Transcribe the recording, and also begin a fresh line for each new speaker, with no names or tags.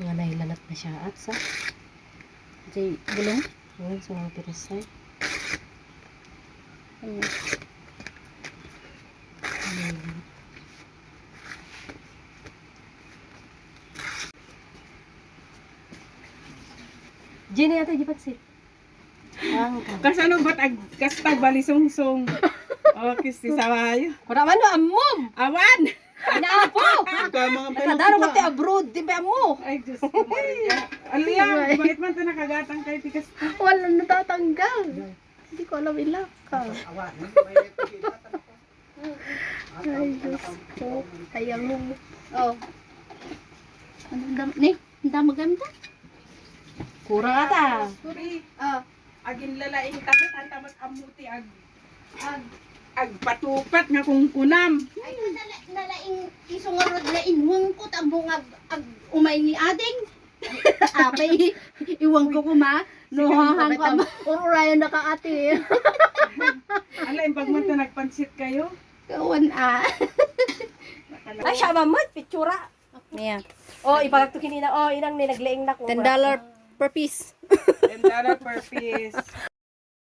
Nga nahilanat na siya at sa
Jay, gulong.
ngayon sa mga pirisay. Jenny ate di pagsit.
Kasano ba't kasta balisungsong? O, kisti sawayo.
Kura man no amom.
Awan!
Inaapo. Nakadaro ka te abroad din ba mo?
Ay, Diyos ko Maria. Aliya, bakit man ito nakagatang kay tikas ka?
Wala natatanggal. Hindi ko alam ilang ka. Ay, Diyos ko. Sayang mo. Oh. Anong dam... Ni, ang damaganda.
Kurang ata.
Sorry,
Ah.
agin lalaing takot, ang tamat amuti, ag patupat nga kung kunam.
Ay, nalaing isungarod na inwang ko, tambong ag umay ni ading. Apay, iwang ko kuma. Nuhahan ko, ururayan na ka ate.
Ala, yung pagman ito nagpansit kayo.
Kawan
Ay siya mamad pictura.
Niya.
Oh ipagtukin ina oh inang ni nagleeng na ko.
$10 per piece.
$10 per piece.